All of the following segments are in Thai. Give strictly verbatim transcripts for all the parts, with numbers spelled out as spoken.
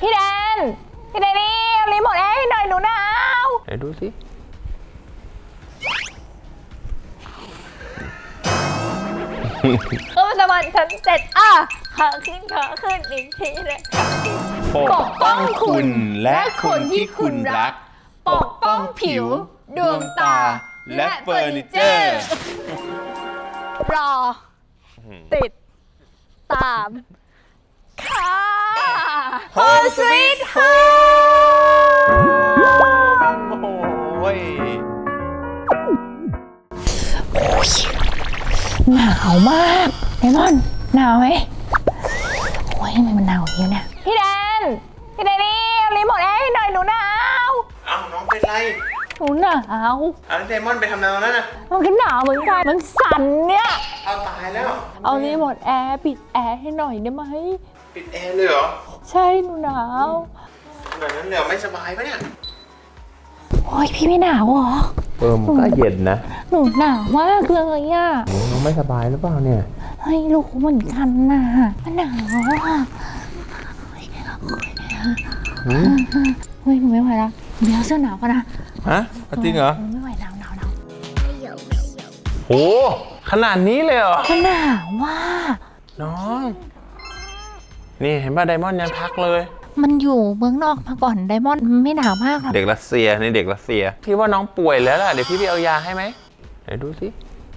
พี่แดนพี่แดนนี่เอารีโมทแอร์ให้หน่อยหนูหนาวไหนดูสิเออสมันชั้นเจ็ดอ่ะขาขึ้นขาขึ้นอีกทีเลยปกป้องคุณและคนที่คุณรักปกป้องผิวดวงตาและเฟอร์นิเจอร์รอติดตามค่ะโฮมสวีทโฮมโอ้ยหนาวมากไอมอนหนาวไหมโอ้ยทำไมมันหนาวอย่างนี้เนี่ยพี่แดนพี่แดนนี่เอารีโมทแอร์ให้หน่อยหนูหนาวอ้าวน้องเป็นไรหนูหนาวเอาเดมอนไปทำอะไรแล้วนะมันก็หนาวเหมือนกันมันสั่นเนี่ยเอาตายแล้วเอารีโมทแอร์ปิดแอร์ให้หน่อยได้ไหมปิดแอร์เลยเหรอใช่หนูหนาวแบบนั้นเดี๋ยวไม่สบายปะเนี่ยโอ้ยพี่ไม่หนาวเหรอเออมันก็เย็นนะหนูหนาวมากเลยอ่ะน้องไม่สบายหรือเปล่าเนี่ยเฮ้ยลูกเหมือนกันนะมันหนาวอ่ะเฮ้ยหนูไม่ไหวแล้วเดี๋ยวเสื้อหนาวกันนะฮะจริงเหรอไม่ไหวหนาวหนาวหนาวโหขนาดนี้เลยเหรอมันหนาวว่ะน้องนี่เห็นป่ะไดมอนด์ยังพักเลยมันอยู่เมืองนอกมาก่อนไดมอนด์ไม่หนาวมากหรอกเด็กรัสเซียนี่เด็กรัสเซียพี่ว่าน้องป่วยแล้วล่ะเดี๋ยวพี่ไปเอายาให้ไหมเดี๋ยวดูสิ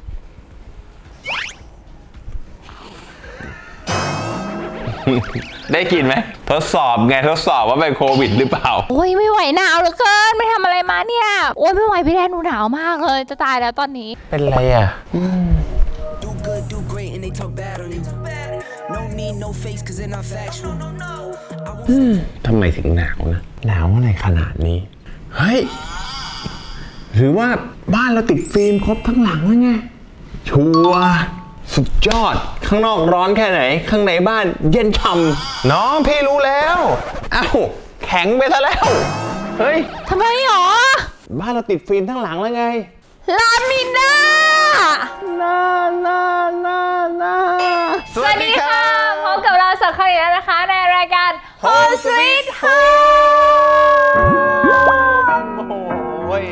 ได้กินไหมทดสอบไงทดสอบว่าเป็นโควิดหรือเปล่าโอ้ยไม่ไหวหนาวเหลือเกินไม่ทำอะไรมาเนี่ยโอ้ยไม่ไหวพี่แดนหนูหนาวมากเลยจะตายแล้วตอนนี้เป็นไรอ่ะทำไมถึงหนาวนะหนาวอะไรขนาดนี้เฮ้ยหรือว่าบ้านเราติดฟิล์มครบทั้งหลังแล้วไงชัวร์สุดยอดข้างนอกร้อนแค่ไหนข้างในบ้านเย็นฉ่ำน้องพี่รู้แล้วเอ้าแข็งไปซะแล้วเฮ้ยทำไมหรอบ้านเราติดฟิล์มทั้งหลังแล้วไงลามิน่าน่าน่าน่าน่าสวัสดีค่ะพบกับเราสักครั้งแล้วนะคะในรายการ Home Sweet Home โอ้ย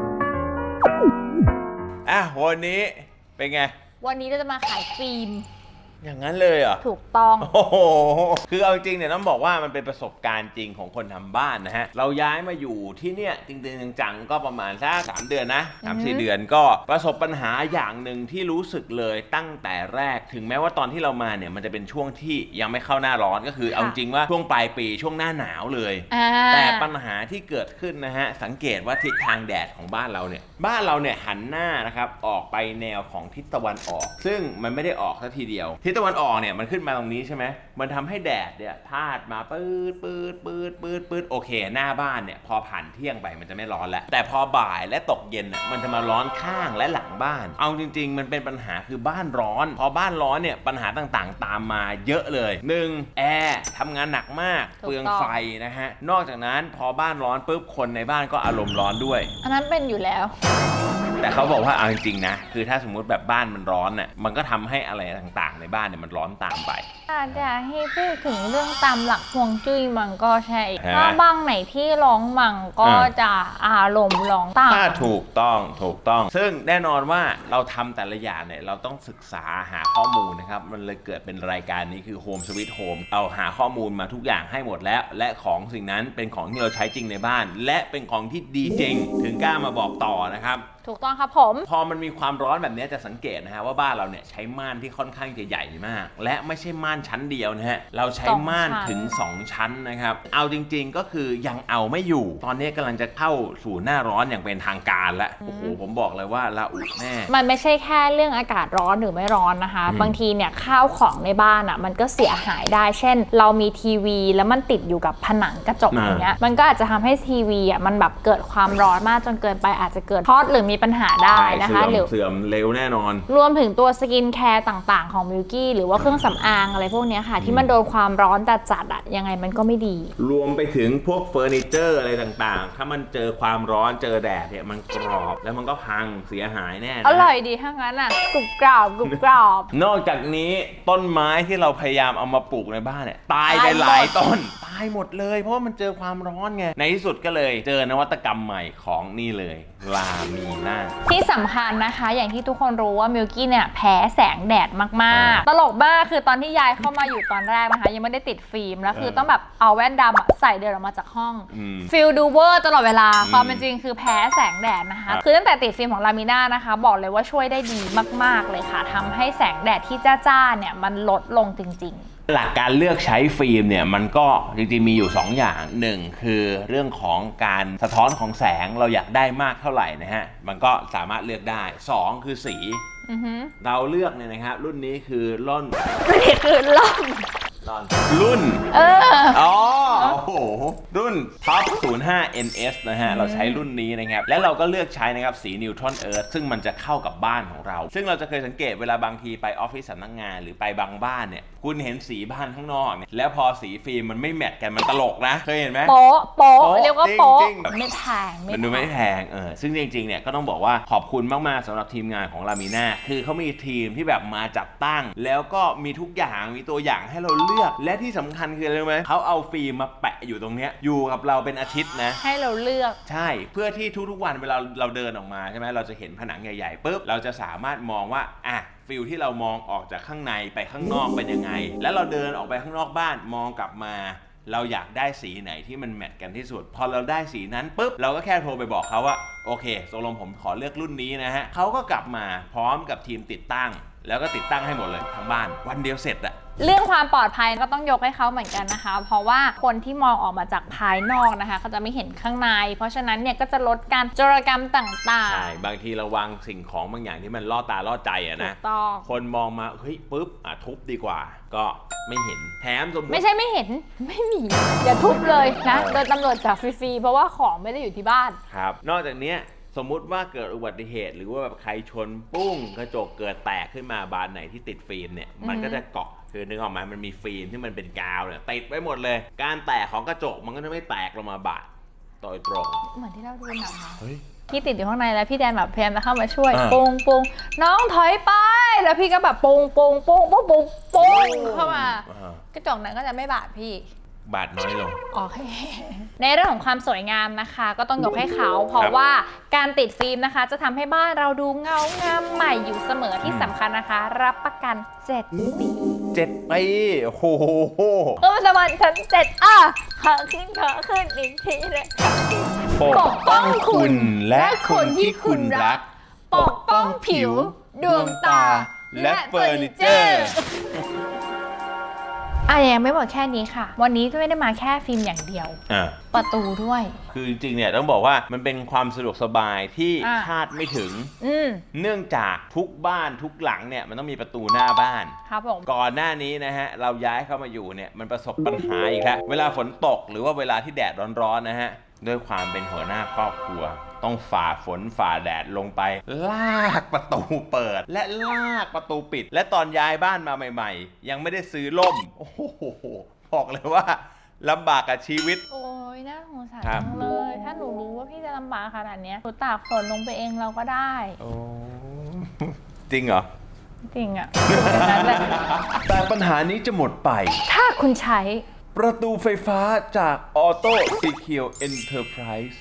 อ่ะวันนี้เป็นไงวันนี้เราจะมาขายฟิล์มอย่างนั้นเลยเหรอถูกต้องโอ้โหคือเอาจริงเนี่ยต้องบอกว่ามันเป็นประสบการณ์จริงของคนทำบ้านนะฮะเราย้ายมาอยู่ที่เนี่ยจริงๆจังๆก็ประมาณสักสามเดือนนะสามสี่เดือนก็ประสบปัญหาอย่างหนึ่งที่รู้สึกเลยตั้งแต่แรกถึงแม้ว่าตอนที่เรามาเนี่ยมันจะเป็นช่วงที่ยังไม่เข้าหน้าร้อนก็คือเอาจริงว่าช่วงปลายปีช่วงหน้าหนาวเลยแต่ปัญหาที่เกิดขึ้นนะฮะสังเกตว่าทิศทางแดดของบ้านเราเนี่ยบ้านเราเนี่ยหันหน้านะครับออกไปแนวของทิศตะวันออกซึ่งมันไม่ได้ออกซะทีเดียวทิศตะวันออกเนี่ยมันขึ้นมาตรงนี้ใช่ไหมมันทำให้แดดเนี่ยพาดมาปื๊ดปื๊ดปื๊ดปื๊ดปื๊ดโอเคหน้าบ้านเนี่ยพอผ่านเที่ยงไปมันจะไม่ร้อนแล้วแต่พอบ่ายและตกเย็นน่ะมันจะมาร้อนข้างและหลังบ้านเอาจริงๆมันเป็นปัญหาคือบ้านร้อนพอบ้านร้อนเนี่ยปัญหาต่างๆตามมาเยอะเลยหนึ่งแอร์ทำงานหนักมากเปลืองไฟนะฮะนอกจากนั้นพอบ้านร้อนปุ๊บคนในบ้านก็อารมณ์ร้อนด้วยอันนั้นเป็นอยู่แล้วแต่เขาบอกว่าเอาจริงๆนะคือถ้าสมมุติแบบบ้านมันร้อนน่ะมันก็ทำให้อะไรต่างๆในบ้านเนี่ยมันร้อนตามไปอาจจะให้พูดถึงเรื่องตามหลักฮวงจุ้ยมันก็ใช่ถ้าบ้างไหนที่ร้องมังก็จะอารมณ์ร้องตามถูกต้องถูกต้องซึ่งแน่นอนว่าเราทำแต่ละอย่างเนี่ยเราต้องศึกษาหาข้อมูลนะครับมันเลยเกิดเป็นรายการนี้คือ Home Sweet Home เอาหาข้อมูลมาทุกอย่างให้หมดแล้วและของสิ่งนั้นเป็นของที่เราใช้จริงในบ้านและเป็นของที่ดีจริงถึงกล้ามาบอกต่อนะครับถูกต้องครับผมพอมันมีความร้อนแบบนี้จะสังเกตนะฮะว่าบ้านเราเนี่ยใช้ม่านที่ค่อนข้างจะใหญ่มากและไม่ใช่ม่านชั้นเดียวนะฮะเราใช้ม่านถึงสองชั้นนะครับเอาจริงๆก็คือยังเอาไม่อยู่ตอนนี้กำลังจะเข้าสู่หน้าร้อนอย่างเป็นทางการแล้วโอ้โหผมบอกเลยว่าละอุแน่มันไม่ใช่แค่เรื่องอากาศร้อนหรือไม่ร้อนนะคะบางทีเนี่ยข้าวของในบ้านอ่ะมันก็เสียหายได้เช่นเรามีทีวีแล้วมันติดอยู่กับผนังกระจกอย่างเงี้ยมันก็อาจจะทำให้ทีวีอ่ะมันแบบเกิดความร้อนมากจนเกินไปอาจจะเกิดช็อตหรือมีปัญหาได้นะคะหรือเสื่อมเร็วแน่นอนรวมถึงตัวสกินแคร์ต่างๆของมิลกี้หรือว่าเครื่องสำอางอะไรพวกนี้ค่ะที่มันโดนความร้อนจัดๆอ่ะยังไงมันก็ไม่ดีรวมไปถึงพวกเฟอร์นิเจอร์อะไรต่างๆถ้ามันเจอความร้อนเจอแดดเนี่ยมันกรอบแล้วมันก็พังเสียหายแน่อร่อยดีถ้างั้นอ่ะกรุบกรอบกรุบกรอบนอกจากนี้ต้นไม้ที่เราพยายามเอามาปลูกในบ้านเนี่ยตายไปหลายต้นตายหมดเลยเพราะว่ามันเจอความร้อนไงในที่สุดก็เลยเจอนวัตกรรมใหม่ของนี่เลยลามีน่าที่สำคัญนะคะอย่างที่ทุกคนรู้ว่ามิลกี้เนี่ยแพ้แสงแดดมากๆตลกมากคือตอนที่ยายเข้ามาอยู่ตอนแรกนะคะยังไม่ได้ติดฟิล์มแล้วคือต้องแบบเอาแว่นดำใส่เดินออกมาจากห้องฟิลดูเวอร์ตลอดเวลาความเป็นจริงคือแพ้แสงแดดนะคะคือตั้งแต่ติดฟิล์มของลามิน่านะคะบอกเลยว่าช่วยได้ดีมากๆเลยค่ะทำให้แสงแดดที่จ้าๆเนี่ยมันลดลงจริงๆหลักการเลือกใช้ฟิล์มเนี่ยมันก็จริงๆมีอยู่สองอย่างหนึ่งคือเรื่องของการสะท้อนของแสงเราอยากได้มากเท่าไหร่นะฮะมันก็สามารถเลือกได้สองคือสีเราเลือกเนี่ยนะครับรุ่นนี้คือรุ่นนี่คือรุ่นรุ่นเอออ๋อโอ้โหรุ่น ท็อป ศูนย์ห้า เอ็น เอส นะฮะเราใช้รุ่นนี้นะครับและเราก็เลือกใช้นะครับสีนิวทรอนเอิร์ธซึ่งมันจะเข้ากับบ้านของเราซึ่งเราจะเคยสังเกตเวลาบางทีไปออฟฟิศสำนักงานหรือไปบางบ้านเนี่ยคุณเห็นสีบ้านข้างนอกเนี่ยแล้วพอสีฟิล์มมันไม่แมทกันมันตลกนะเคยเห็นไหมโป๊ะโป๊ะเรียกว่าโป๊ะไม่แพงมันดูไม่แพงเออซึ่งจริงๆเนี่ยก็ต้องบอกว่าขอบคุณมากๆสำหรับทีมงานของลามิน่าคือเขามีทีมที่แบบมาจัดตั้งแล้วก็มีทุกอย่างมีตัวอย่างให้เราเลือกและที่สำคัญคืออะไรรู้ไหมเขาเอาฟิล์มมาแปะอยู่ตรงเนี้ยอยู่กับเราเป็นอาทิตย์นะให้เราเลือกใช่เพื่อที่ทุกๆวันเวลาเราเดินออกมาใช่ไหมเราจะเห็นผนังใหญ่ๆปุ๊บเราจะสามารถมองว่าอ่ะฟิลที่เรามองออกจากข้างในไปข้างนอกเป็นยังไงแล้วเราเดินออกไปข้างนอกบ้านมองกลับมาเราอยากได้สีไหนที่มันแมทกันที่สุดพอเราได้สีนั้นปุ๊บเราก็แค่โทรไปบอกเขาว่าโอเคตกลงผมขอเลือกรุ่นนี้นะฮะเขาก็กลับมาพร้อมกับทีมติดตั้งแล้วก็ติดตั้งให้หมดเลยทั้งบ้านวันเดียวเสร็จอะเรื่องความปลอดภัยก็ต้องยกให้เขาเหมือนกันนะคะเพราะว่าคนที่มองออกมาจากภายนอกนะคะเขาจะไม่เห็นข้างในเพราะฉะนั้นเนี่ยก็จะลดการโจรกรรมต่างๆใช่บางทีเราวางสิ่งของบางอย่างที่มันล่อตาล่อใจอะนะคนมองมาเฮ้ยปุ๊บอ่ะทุบดีกว่าก็ไม่เห็นแถมสมมติไม่ใช่ไม่เห็นไม่มีอย่าทุบเลยนะโดยตำรวจจับฟรีๆเพราะว่าของไม่ได้อยู่ที่บ้านครับนอกจากนี้สมมุติว่าเกิดอุบัติเหตุหรือว่าแบบใครชนปุ้งกระจกเกิดแตกขึ้นมาบานไหนที่ติดฟิล์มเนี่ยมันก็จะเกาะคือนึกออกไหมมันมีฟิล์มที่มันเป็นกาวเนี่ยติดไว้หมดเลยการแตกของกระจกมันก็จะไม่แตกลงมาบาดโดยตรงเหมือนที่เราดูหนังนะพี่ติดอยู่ข้างในแล้วพี่แดนแบบพยายามจะเข้ามาช่วยปุงปุงน้องถอยไปแล้วพี่ก็แบบปุงปุงปุงปุงปุงปุงเข้ามากระจกนั้นก็จะไม่บาดพี่บาทน้อยลงโอเคในเรื่องของความสวยงามนะคะก็ต้องยกให้เขาเพราะว่าการติดฟิล์มนะคะจะทำให้บ้านเราดูเงางามใหม่อยู่เสมอที่สำคัญนะคะรับประกันเจ็ดปีเจ็ดปีโอ้โหเออสวรรค์ชั้นเจ็ดอ่ะขาขึ้นขาขึ้นอีกทีเลยปกป้องคุณและคนที่คุณรักปกป้องผิวดวงตาและเฟอร์นิเจอร์อ่ะยังไม่หมดแค่นี้ค่ะวันนี้ไม่ได้มาแค่ฟิล์มอย่างเดียวประตูด้วยคือจริงๆเนี่ยต้องบอกว่ามันเป็นความสะดวกสบายที่คาดไม่ถึงเนื่องจากทุกบ้านทุกหลังเนี่ยมันต้องมีประตูหน้าบ้านครับผมก่อนหน้านี้นะฮะเราย้ายเข้ามาอยู่เนี่ยมันประสบปัญหาอีกแล้วเวลาฝนตกหรือว่าเวลาที่แดดร้อนๆนะฮะด้วยความเป็นหัวหน้าครอบครัวต้องฝ่าฝนฝ่าแดดลงไปลากประตูเปิดและลากประตูปิดและตอนย้ายบ้านมาใหม่ๆยังไม่ได้ซื้อร่มโอ้โหบอกเลยว่าลำบากกับชีวิตโอ้ยน่าสงสารจังเลยถ้าหนูรู้ว่าพี่จะลำบากขนาดนี้หนูตากฝนลงไปเองเราก็ได้โอ้จริงเหรอจริงอ่ะแต่ปัญหานี้จะหมดไปถ้าคุณใช้ประตูไฟฟ้าจากออโต้ซีเคียวเอ็นเตอร์ไพรส์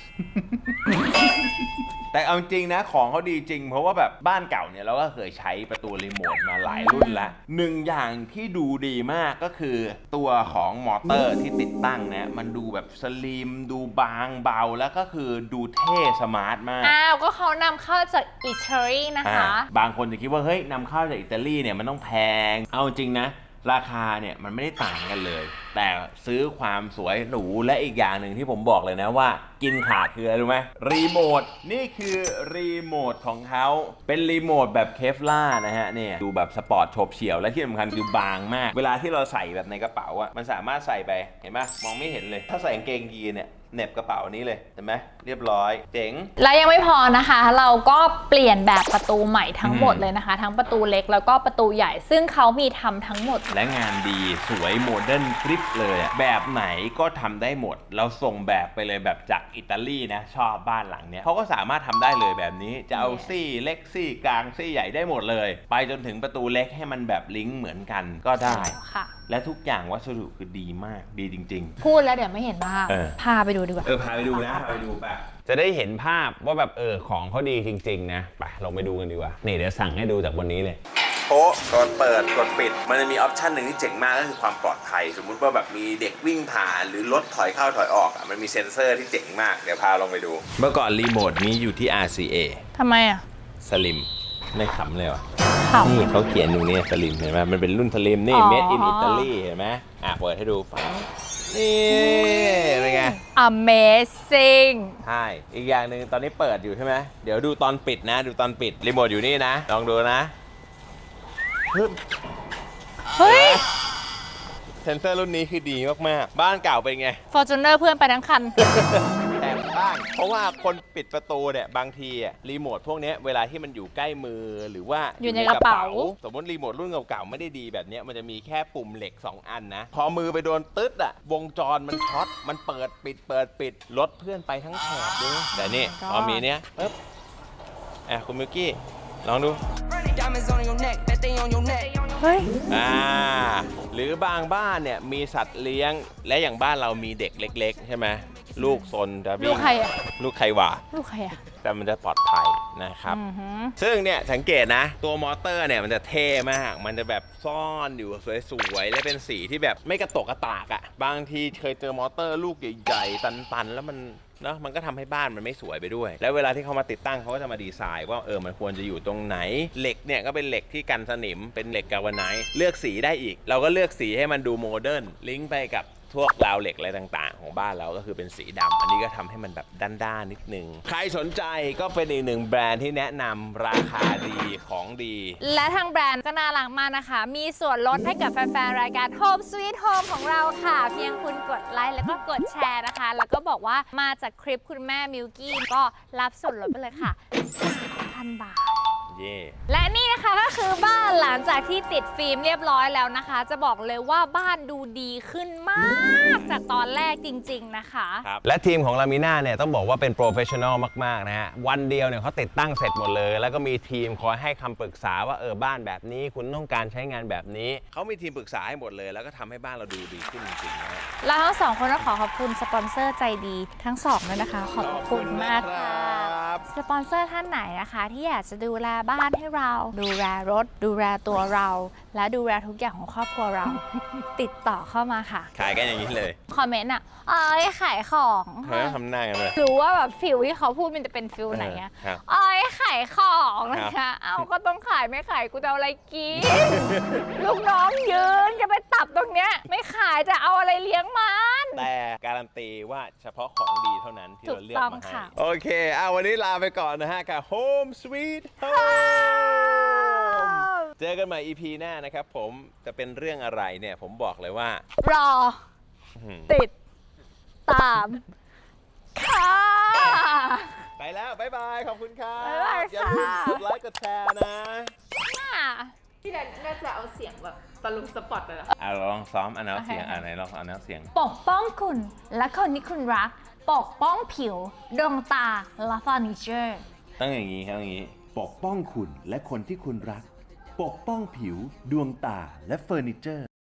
แต่เอาจริงนะของเขาดีจริงเพราะว่าแบบบ้านเก่าเนี่ยเราก็เคยใช้ประตูรีโมทมาหลายรุ่นแล้วหนึ่งอย่างที่ดูดีมากก็คือตัวของมอเตอร์ที่ติดตั้งนะมันดูแบบสลิมดูบางเบาแล้วก็คือดูเท่สมาร์ทมากอ้าวก็เขานำเข้าจากอิตาลีนะคะบางคนจะคิดว่าเฮ้ยนำเข้าจากอิตาลีเนี่ยมันต้องแพงเอาจริงนะราคาเนี่ยมันไม่ได้ต่างกันเลยแต่ซื้อความสวยหรูและอีกอย่างหนึ่งที่ผมบอกเลยนะว่ากินขาดคืออะไรรู้ไหมรีโมทนี่คือรีโมทของเขาเป็นรีโมทแบบเคฟล่านะฮะเนี่ยดูแบบสปอร์ตโฉบเฉี่ยวและที่สำคัญคือบางมากเวลาที่เราใส่แบบในกระเป๋าอะมันสามารถใส่ไปเห็นไหมมองไม่เห็นเลยถ้าใส่กางเกงยีนเนี่ยเหน็บกระเป๋านี้เลยเห็นไหมเรียบร้อยเจ๋งแล้วยังไม่พอนะคะ เราก็เปลี่ยนแบบประตูใหม่ทั้งหมดเลยนะคะ ทั้งประตูเล็กแล้วก็ประตูใหญ่ ซึ่งเขามีทำทั้งหมดและงานดีสวยโมเดิร์นกริปเลยแบบไหนก็ทำได้หมดเราส่งแบบไปเลยแบบจากอิตาลีนะชอบบ้านหลังเนี้ยเขาก็สามารถทำได้เลยแบบนี้จะเอาซี่เล็กซี่กลางซี่ใหญ่ได้หมดเลยไปจนถึงประตูเล็กให้มันแบบลิงก์เหมือนกันก็ได้ค่ะและทุกอย่างวัสดุคือดีมากดีจริงๆพูดแล้วเดี๋ยวไม่เห็นภาพพาไปดูดีกว่าเออพาไปดูนะพาไปดูไปจะได้เห็นภาพว่าแบบเออของเขาดีจริงๆนะไปลองไปดูกันดีกว่านี่เดี๋ยวสั่งให้ดูจากวันนี้เลยโป๊ะกดเปิดกดปิดมันจะมีออปชันหนึ่งที่เจ๋งมากก็คือความปลอดภัยสมมุติว่าแบบมีเด็กวิ่งผ่านหรือรถถอยเข้าถอยออกอ่ะมันมีเซ็นเซอร์ที่เจ๋งมากเดี๋ยวพาลองไปดูเมื่อก่อนรีโมทนี้อยู่ที่ อาร์ ซี เอทำไมอ่ะสลิมไม่ขำเลยวะนี่เขาเขียนอยู่เนี่ยสลิมเห็นไหมมันเป็นรุ่นสลิมนี่ made in Italy เห็นไหมอ่ะเปิดให้ดูฟังนี่เป็นไง Amazing ใช่อีกอย่างหนึ่งตอนนี้เปิดอยู่ใช่ไหมเดี๋ยวดูตอนปิดนะดูตอนปิดรีโมทอยู่นี่นะลองดูนะเฮ้ยเซนเซอร์รุ่นนี้คือดีมากๆบ้านเก่าเป็นไง Fortuner เพื่อนไปทั้งคันแอบบ้างเพราะว่าคนปิดประตูเนี่ยบางทีอ่ะรีโมทพวกนี้เวลาที่มันอยู่ใกล้มือหรือว่าอยู่ในกระเป๋าสมมติรีโมทรุ่นเก่าๆไม่ได้ดีแบบนี้มันจะมีแค่ปุ่มเหล็กสองอันนะพอมือไปโดนตึ๊ดอ่ะวงจรมันช็อตมันเปิดปิดเปิดปิดรถเพื่อนไปทั้งแถบด้วยแต่นี่พอมีเนี้ยปึ๊บอ่ะคุณมิวกี้ลองดูเฮ้ยอ่าหรือบางบ้านเนี่ยมีสัตว์เลี้ยงและอย่างบ้านเรามีเด็กเล็กๆใช่ไหมลูกซนจะวิ่งลูกใครอะลูกใครวะลูกใครอะแต่มันจะปลอดภัยนะครับซึ่งเนี่ยสังเกตนะตัวมอเตอร์เนี่ยมันจะเท่มากมันจะแบบซ่อนอยู่สวยๆและเป็นสีที่แบบไม่กระตกกระตากอะบางทีเคยเจอมอเตอร์ลูกใหญ่ๆตันๆแล้วมันเนาะมันก็ทำให้บ้านมันไม่สวยไปด้วยแล้วเวลาที่เขามาติดตั้งเขาก็จะมาดีไซน์ว่าเออมันควรจะอยู่ตรงไหนเหล็กเนี่ยก็เป็นเหล็กที่กันสนิมเป็นเหล็กกาลวาไนซ์เลือกสีได้อีกเราก็เลือกสีให้มันดูโมเดิร์นลิงก์ไปกับพวกราวเหล็กอะไรต่างๆของบ้านเราก็คือเป็นสีดำอันนี้ก็ทำให้มันแบบด้านๆนิดนึงใครสนใจก็เป็นอีกหนึ่งแบรนด์ที่แนะนำราคาดีของดีและทางแบรนด์ก็น่ารักมากนะคะมีส่วนลดให้กับแฟนๆรายการ Home Sweet Home ของเราค่ะเพียงคุณกดไลค์แล้วก็กดแชร์นะคะแล้วก็บอกว่ามาจากคลิปคุณแม่มิวกี้ก็รับส่วนลดไปเลยค่ะ สามพัน บาทและนี่นะคะก็คือบ้านหลังจากที่ติดฟิล์มเรียบร้อยแล้วนะคะจะบอกเลยว่าบ้านดูดีขึ้นมากจากตอนแรกจริงๆนะคะครับและทีมของลามิน่าเนี่ยต้องบอกว่าเป็นโปรเฟชชั่นอลมากๆนะฮะวันเดียวเนี่ยเขาติดตั้งเสร็จหมดเลยแล้วก็มีทีมคอยให้คำปรึกษาว่าเออบ้านแบบนี้คุณต้องการใช้งานแบบนี้เขามีทีมปรึกษาให้หมดเลยแล้วก็ทำให้บ้านเราดูดีขึ้นจริงๆนะฮะแล้วทั้งสองคนก็ขอขอบคุณสปอนเซอร์ใจดีทั้งสองเลยนะคะขอบคุณมากค่ะสปอนเซอร์ท่านไหนนะคะที่อยากจะดูแลบ้านให้เราดูแลรถดูแลตัวเราและดูแลทุกอย่างของครอบครัวเรา ติดต่อเข้ามาค่ะขายกันอย่างนี้เลยคอมเมนต์อ่ะเอ้ยขายของเฮ้ยทำหน้ากันเลยรู้ว่าแบบฟิลที่เขาพูดมันจะเป็นฟิลไหนอะเอ้ยขายของนะคะเอาก็ต้องขายไม่ขายกูจะเอาอะไรกิน ลูกน้องยืนจะไปตับตรงเนี้ยไม่ขายจะเอาอะไรเลี้ยงมันแต่การันตีว่าเฉพาะของดีเท่านั้นที่เราเลือกมาให้โอเคเอาวันนี้ลาไปก่อนนะฮะกับ Home Sweet Home เจอกันใหม่ อี พี หน้านะครับผมจะเป็นเรื่องอะไรเนี่ยผมบอกเลยว่ารอติดตามค่ะไปแล้วบ๊ายบายขอบคุณครับอย่าลืมกดไลค์กดแชร์นะพี่แดนน่าจะเอาเสียงแบบตะลุมสปอตเลยเหรออ่ะลองซ้อมอันนั้นเสียงอันไหนลองอันนั้นเสียงปกป้องคุณและคนที่คุณรักปกป้องผิวดวงตาและเฟอร์นิเจอร์ต้องอย่างนี้ครับอย่างนี้ปกป้องคุณและคนที่คุณรักปกป้องผิวดวงตาและเฟอร์นิเจอร์